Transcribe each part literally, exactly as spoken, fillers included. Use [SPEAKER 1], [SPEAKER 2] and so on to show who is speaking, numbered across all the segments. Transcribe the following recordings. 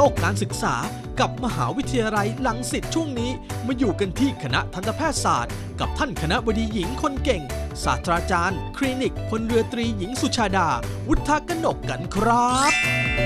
[SPEAKER 1] กการศึกษากับมหาวิทยาลัยรังสิตช่วงนี้มาอยู่กันที่คณะทันตแพทยศาสตร์กับท่านคณบดีหญิงคนเก่งศาสตราจารย์คลินิกพลเรือตรีหญิงสุชาดาวุฒกนกกันครับ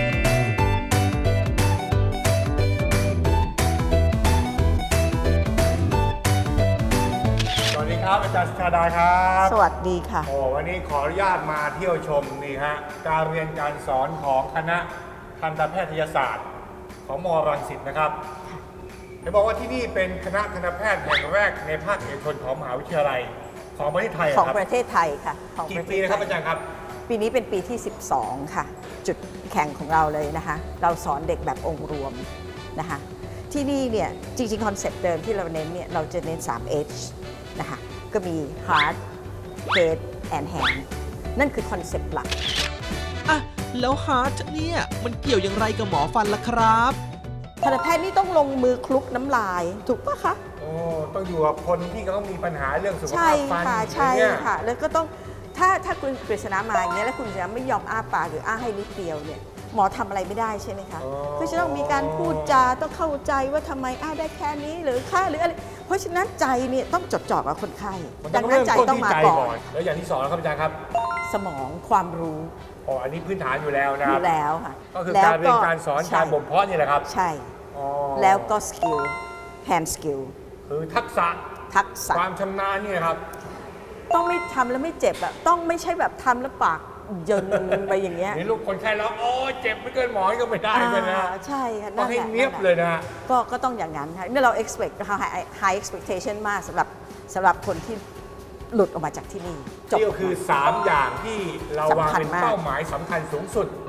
[SPEAKER 2] สวัสดีครับอาจารย์สุชาดาครับ
[SPEAKER 3] สวัสดีค่ะ
[SPEAKER 2] โอ้วันนี้ขออนุญาตมาเที่ยวชมนี่ฮะการเรียนการสอนของคณะทันตแพทยศาสตร์ของมรังสิตนะครับเห็นบอกว่าที่นี่เป็นคณะทันตแพทย์แห่งแรกในภาคเอกชนของมหาวิทยาลัยของประเทศไทย
[SPEAKER 3] ของ
[SPEAKER 2] ครับ
[SPEAKER 3] ประเทศไทยค่ะของ
[SPEAKER 2] กี่ปีนะครับอาจารย์ครับ
[SPEAKER 3] ปีนี้เป็นปีที่ สิบสอง ค่ะจุดแข่งของเราเลยนะคะเราสอนเด็กแบบองค์รวมนะคะที่นี่เนี่ยจริงๆคอนเซ็ปต์เดิมที่เราเน้นเนี่ยเราจะเน้น สาม เอช นะคะก็มี Heart Head and Hand นั่นคือคอนเซ็ปต์หลัก
[SPEAKER 1] อ่ะแล้วฮาร์ทเนี่ยมันเกี่ยวอย่างไรกับหมอฟันล่ะครับ
[SPEAKER 3] ทันตแพทย์นี่ต้องลงมือคลุกน้ำลายถูกปะคะ
[SPEAKER 2] โอ้ต้องอยู่กับคนที่เขามีปัญหาเรื่องสุข
[SPEAKER 3] ใช่
[SPEAKER 2] ภาพฟัน
[SPEAKER 3] ค่ะใช่
[SPEAKER 2] เนี่ย
[SPEAKER 3] ค่ะแล้วก็ต้องถ้าถ้าคุณกฤษณามาอย่างเงี้ยแล้วคุณจะไม่ยอมอ้าปากหรืออ้าให้นิดเดียวเนี่ยหมอทำอะไรไม่ได้ใช่ไหมคะก็จะต้องมีการพูดจาต้องเข้าใจว่าทำไมอ้าได้แค่นี้หรือค่าหรืออะไรเพราะฉะนั้นใจเนี่ยต้องจดจ่อกับคนไข้ดังนั้นใจต้องมาก่อน
[SPEAKER 2] แล้วอย่างที่สองแล้วครับอาจารย์ครับ
[SPEAKER 3] สมองความรู้
[SPEAKER 2] อ๋ออันนี้พื้นฐานอยู่แล้วนะ
[SPEAKER 3] อยู่แล้วค่ะ
[SPEAKER 2] ก็คือการเรียนการสอนการบ่มเพาะนี่แหละครับ
[SPEAKER 3] ใช่แล้วก็สกิล hand skill
[SPEAKER 2] คือทักษะ
[SPEAKER 3] ทักษะ
[SPEAKER 2] ความชำนาญนี่ครับ
[SPEAKER 3] ต้องไม่ทำแล้วไม่เจ็บอะต้องไม่ใช่แบบทำแล้วปากเยินไปอย่างเงี้ย
[SPEAKER 2] นี่ลูกคนไข้แล้วโอ้เจ็บไม่เกินหมอก็ไม่ได้กันนะ
[SPEAKER 3] ใช่ค่ะ
[SPEAKER 2] ต้องให้เนียบเลยนะ
[SPEAKER 3] ก็ก็ต้องอย่างนั้นค่ะนี่เรา expect high expectation มากสำหรับสำหรับคนที่หลุดออกมาจากที่นี่
[SPEAKER 2] นี่ก็คือสามอย่างที่เราวางเป็นเป้าหมายสำคัญสูงสุด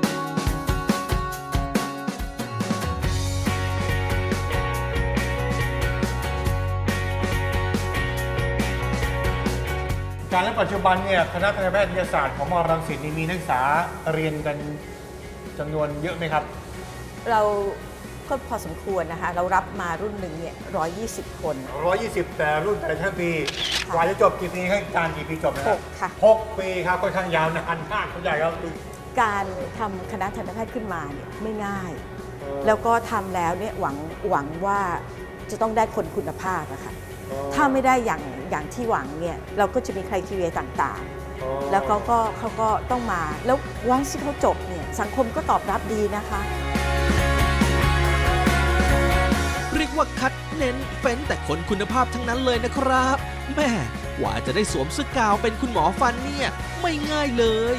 [SPEAKER 2] การและปัจจุบันเนี่ยคณะทันตแพทยศาสตร์ของมรังสิตมีนักศึกษาเรียนกันจำนวนเยอะไหมครับ
[SPEAKER 3] เราก็พอสมควรนะคะเรารับมารุ่นหนึ่งเนี่ยหนึ่งร้อยยี่สิบคน
[SPEAKER 2] หนึ่งร้อยยี่สิบแต่รุ่นแต่ละชั้นปีกว่าจะจบกี่ปีให้การกี่ปีจบนะ
[SPEAKER 3] หกค่ะ
[SPEAKER 2] หกปีครับค่อนข้างยาวนานมากคุณใหญ่ครับ
[SPEAKER 3] การทำคณะทันตแพทย์ขึ้นมาเนี่ยไม่ง่ายแล้วก็ทำแล้วเนี่ยหวังหวังว่าจะต้องได้คนคุณภาพนะคะถ้าไม่ได้อย่างอย่างที่หวังเนี่ยเราก็จะมีไครทีเรียต่างๆแล้วเขาก็เขาก็ต้องมาแล้ววันที่เขาจบเนี่ยสังคมก็ตอบรับดีนะคะ
[SPEAKER 1] เรียกว่าคัดเน้นเฟ้นแต่คนคุณภาพทั้งนั้นเลยนะครับแม่กว่าจะได้สวมเสื้อกาวเป็นคุณหมอฟันเนี่ยไม่ง่ายเลย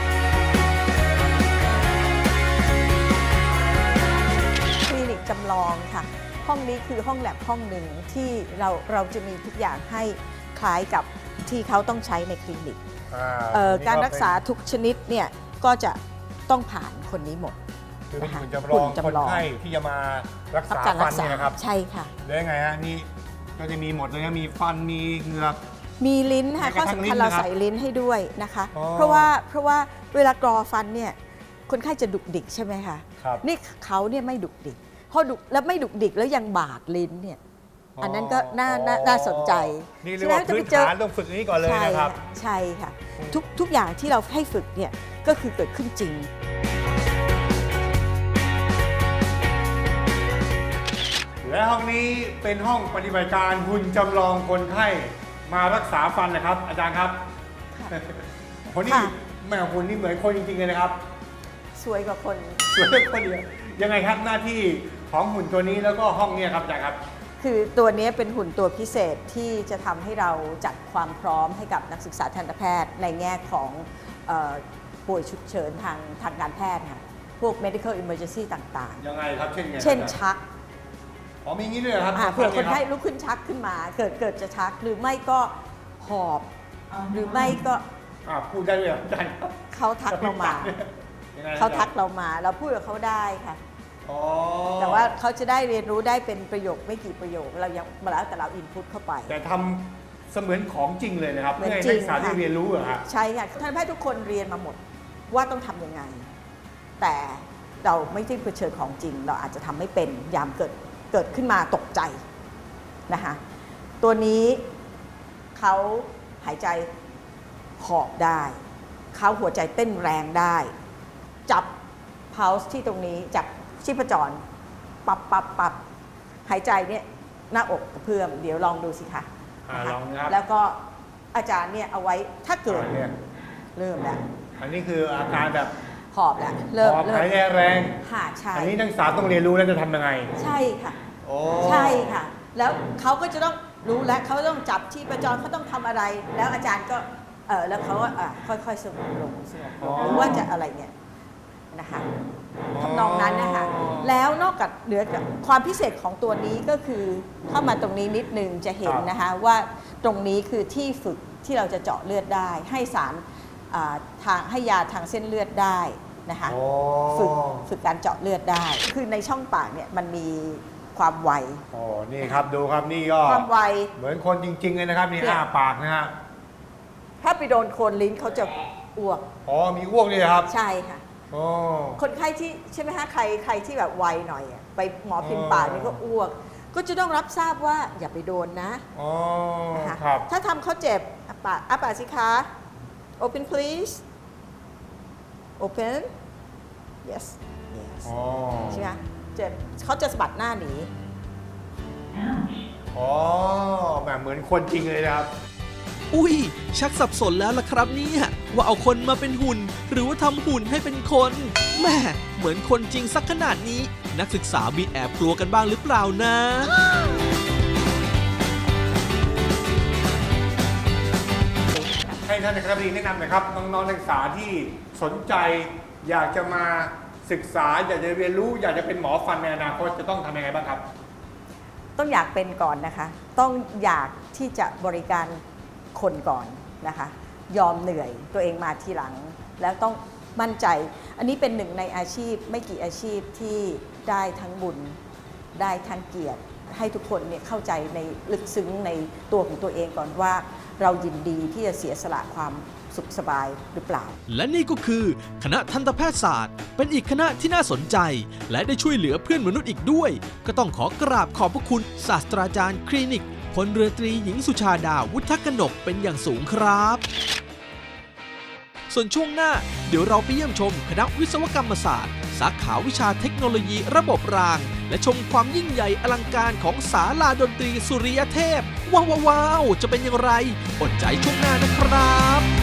[SPEAKER 3] คลินิกจำลองค่ะห้องนี้คือห้องแลบห้องหนึ่งที่เราเราจะมีทุกอย่างให้คล้ายกับที่เขาต้องใช้ในคลินิกการรักษาทุกชนิดเนี่ยก็จะต้องผ่านคนนี้หมด
[SPEAKER 2] คือเป็นหุ่นจำลองคนไข้ที่จะมารักษาฟันเนี่ยนะครับ
[SPEAKER 3] ใช่ค่ะ
[SPEAKER 2] แล้วยังไงฮะนี่ก็จะมีหมดเลยนะมีฟันมีเหงือก
[SPEAKER 3] มีลิ้นค่ะข้อสำคัญเราใส่ลิ้นให้ด้วยนะคะเพราะว่าเพราะว่าเวลากรอฟันเนี่ยคนไข้จะดุกดิกใช่ไหมคะนี่เขาเนี่ยไม่ดุกดิกพอดุแล้วไม่ดุกดิกแล้วยังบาดลิ้นเนี่ยอันนั้นก็น่าน่าสนใจ
[SPEAKER 2] นี่เรียกว่าพื้นฐานต้องฝึกนี้ก่อนเลยนะครับ
[SPEAKER 3] ใช่ค่ะทุกทุกอย่างที่เราให้ฝึกเนี่ยก็คือเกิดขึ้นจริง
[SPEAKER 2] และห้องนี้เป็นห้องปฏิบัติการหุ่นจำลองคนไข้มารักษาฟันนะครับอาจารย์ครับคนนี้แม่หุ่นนี่เหมือนคนจริงๆเลยนะครับ
[SPEAKER 3] สวยกว่าคน
[SPEAKER 2] สวยกว่าคนเดียวยังไงครับหน้าที่ของหุ่นตัวนี้แล้วก็ห้องนี้ครับอาจารย์ครับ
[SPEAKER 3] คือตัวนี้เป็นหุ่นตัวพิเศษที่จะทำให้เราจัดความพร้อมให้กับนักศึกษาทันตแพทย์ในแง่ของป่วยฉุกเฉินทางทางการแพทย์ค่ะพวก medical emergency ต่าง
[SPEAKER 2] ๆยังไงครับเช่นไง
[SPEAKER 3] เช่นชัก
[SPEAKER 2] อ๋อมีงี้ด้วยครับ
[SPEAKER 3] เผื่อคนไข้ลุกขึ้นชักขึ้นมาเกิดเกิดจะชักหรือไม่ก็หอบหรือไม่ก็
[SPEAKER 2] พูดได้ด้วยอาจารย์
[SPEAKER 3] เขาทักเรามาเขาทักเรามาเราพูดกับเขาได้ค่ะแต่ว่าเขาจะได้เรียนรู้ได้เป็นประโยคไม่กี่ประโยคเรายังมาแล้วแต่เราอินพุตเข้าไป
[SPEAKER 2] แต่ทำเสมือนของจริงเลยนะครับเพื่อให้นักศึกษาได้เรียนรู้เหรอครับ
[SPEAKER 3] ใช่ค่ะทันตแพทย์ทุกคนเรียนมาหมดว่าต้องทำยังไงแต่เราไม่ได้เผชิญของจริงเราอาจจะทำไม่เป็นยามเกิดเกิดขึ้นมาตกใจนะคะตัวนี้เขาหายใจหอบได้เขาหัวใจเต้นแรงได้จับ pulse ที่ตรงนี้จับชีพจรปับปับปับหายใจเนี่ยหน้าอกกระเพื่อมเดี๋ยวลองดูสิคะ
[SPEAKER 2] อ่า
[SPEAKER 3] นะคะ
[SPEAKER 2] ลองนะครับ
[SPEAKER 3] แล้วก็อาจารย์เนี่ยเอาไว้ถ้าเกิด
[SPEAKER 2] อ่าเนี่ย
[SPEAKER 3] เริ่มแล้ว
[SPEAKER 2] อันนี้คืออาการแบบ
[SPEAKER 3] หอบแล้วเริ่ม
[SPEAKER 2] หอบ
[SPEAKER 3] เริ่ม
[SPEAKER 2] หายใจแรง
[SPEAKER 3] หาใช่
[SPEAKER 2] อันนี้นักศึกษาต้องเรียนรู้แล้วจะทำยังไง
[SPEAKER 3] ใช่ค่ะ
[SPEAKER 2] โอ้
[SPEAKER 3] ใช่ค่ะ แล้วเขาก็จะต้องรู้แล้วเขาต้องจับที่ประจรเขาต้องทำอะไร แล้วอาจารย์ก็เออแล้วเขาก็อ่ะค่อยๆสงบลงสงบลงหรือว่าจะอะไรเนี่ยนะคะทำนองนั้นนะคะแล้วนอกจากเหลือจากความพิเศษของตัวนี้ก็คือเข้ามาตรงนี้นิดนึงจะเห็นนะคะว่าตรงนี้คือที่ฝึกที่เราจะเจาะเลือดได้ ให้สารอ่าทางให้ยาทางเส้นเลือดได้นะคะ
[SPEAKER 2] โอ้
[SPEAKER 3] ฝึกฝึกการเจาะเลือดได้ คือในช่องปากเนี่ยมันมีความไว
[SPEAKER 2] โอ้นี่ครับดูครับนี่ก็
[SPEAKER 3] ความไว
[SPEAKER 2] เหมือนคนจริง ๆ เลยนะครับนี่
[SPEAKER 3] เนี่ย
[SPEAKER 2] อ้าปากนะฮะ
[SPEAKER 3] ถ้าไปโดนโคนลิ้นเขาจะอ้วก
[SPEAKER 2] อ๋อมีอ้วกด้วยเหรอครับ
[SPEAKER 3] ใช่ค่ะ
[SPEAKER 2] โอ้
[SPEAKER 3] คนไข้ที่ใช่ไหมคะใครใครที่แบบไวหน่อยอะไปหมอพิมพ์ปากนี่ก็อ้วก ก็จะต้องรับทราบว่าอย่าไปโดนนะ
[SPEAKER 2] อ๋อ
[SPEAKER 3] นะคะ
[SPEAKER 2] ครับ
[SPEAKER 3] ถ้าทำเขาเจ็บอ่ะปากอ่ะปากสิคะ open please open yes yes
[SPEAKER 2] อ๋อ
[SPEAKER 3] ใช่ไหมเจ็บเขาจะสะบัดหน้าหนี
[SPEAKER 2] อ๋อแบบเหมือนคนจริงเลยนะครับ
[SPEAKER 1] อุ้ยชักสับสนแล้วล่ะครับเนี่ยว่าเอาคนมาเป็นหุ่น หรือว่าทำหุ่นให้เป็นคนแหม่เหมือนคนจริงสักขนาดนี้ นักศึกษามีแอบกลัวกันบ้างหรือเปล่านะ
[SPEAKER 2] ให้ท่านในคณะบดีแนะนำหน่อยครับน้องๆนักศึกษาที่สนใจอยากจะมาศึกษาอยากจะเรียนรู้ อยากจะเป็นหมอฟันในอนาคตจะต้องทำยังไงบ้างครับ
[SPEAKER 3] ต้องอยากเป็นก่อนนะคะ ต้องอยากที่จะบริการคนก่อนนะคะ ยอมเหนื่อยตัวเองมาทีหลัง แล้วต้องมั่นใจ อันนี้เป็นหนึ่งในอาชีพไม่กี่อาชีพที่ได้ทั้งบุญได้ทั้งเกียรติ ให้ทุกคนเนี่ยเข้าใจในลึกซึ้งในตัวของตัวเองก่อนว่าเรายินดีที่จะเสียสละความสุขสบายหรือเปล่า
[SPEAKER 1] และนี่ก็คือคณะทันตแพทยศาสตร์ เป็นอีกคณะที่น่าสนใจ และได้ช่วยเหลือเพื่อนมนุษย์อีกด้วย ก็ต้องขอกราบขอบพระคุณศาสตราจารย์คลินิกพลเรือตรีหญิงสุชาดาวุฒกนกเป็นอย่างสูงครับ ส่วนช่วงหน้าเดี๋ยวเราไปเยี่ยมชมคณะวิศวกรรมศาสตร์ สาขาวิชาเทคโนโลยีระบบราง และชมความยิ่งใหญ่อลังการของศาลาดนตรีสุริยเทพ ว้าวๆจะเป็นอย่างไรอดใจช่วงหน้านะครับ